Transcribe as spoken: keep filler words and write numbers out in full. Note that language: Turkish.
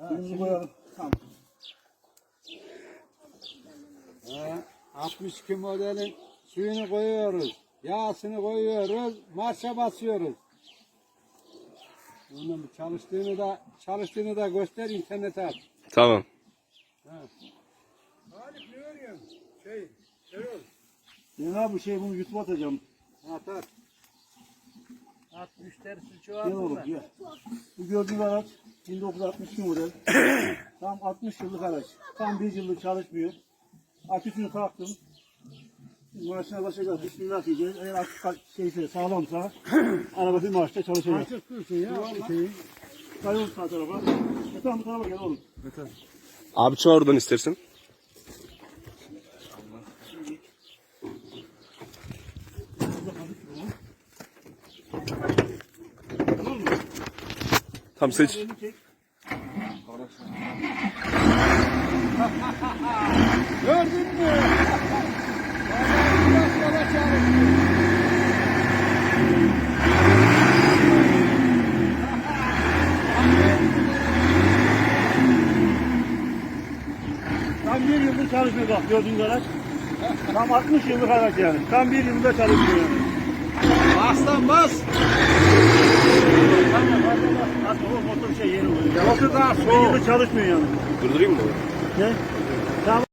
Suyumuzu koyalım. Tamam. Ha, altmış iki modelin suyunu koyuyoruz. Yağsını koyuyoruz. Marşa basıyoruz. Bunun çalıştığını da çalıştığını da göster, internete at. Tamam. Ha. Haluk ne örüyorsun? Şey, Erol. Ben abi şey bunu YouTube'a atacağım. At at. At müşterisi Gel çoğaldı oğlum da. gel. Bu gördüğün araç bin dokuz yüz altmış iki model. Tam altmış yıllık araç. Tam bir yıllık çalışmıyor. Aküsünü taktım. Maaşına başlayacağız. Bismillah diyeceğiz. Eğer akü şeyse sağlamsa araba bir maaşta çalışacak. Açık dursun ya. Şeyi. Kayol sağ tarafa. E tamam bu tarafa gel oğlum. Abi çoğu oradan istersin. Tamam mı? Tam seç. Elini çek. Gördün mü? Vallahi biraz sonra çalıştı. Tam bir yıldır çalışmıyor bak gördüğünüz araç. Tam altmış yıllık araç yani. Tam bir yılda çalışmıyor yani. Aslan bas. Tamam hadi bak. Hadi o motor şey yeni oluyor. Motor daha Bir soğuk. yıldır çalışmıyor yani. Durdurayım mı? Ne? Tamam.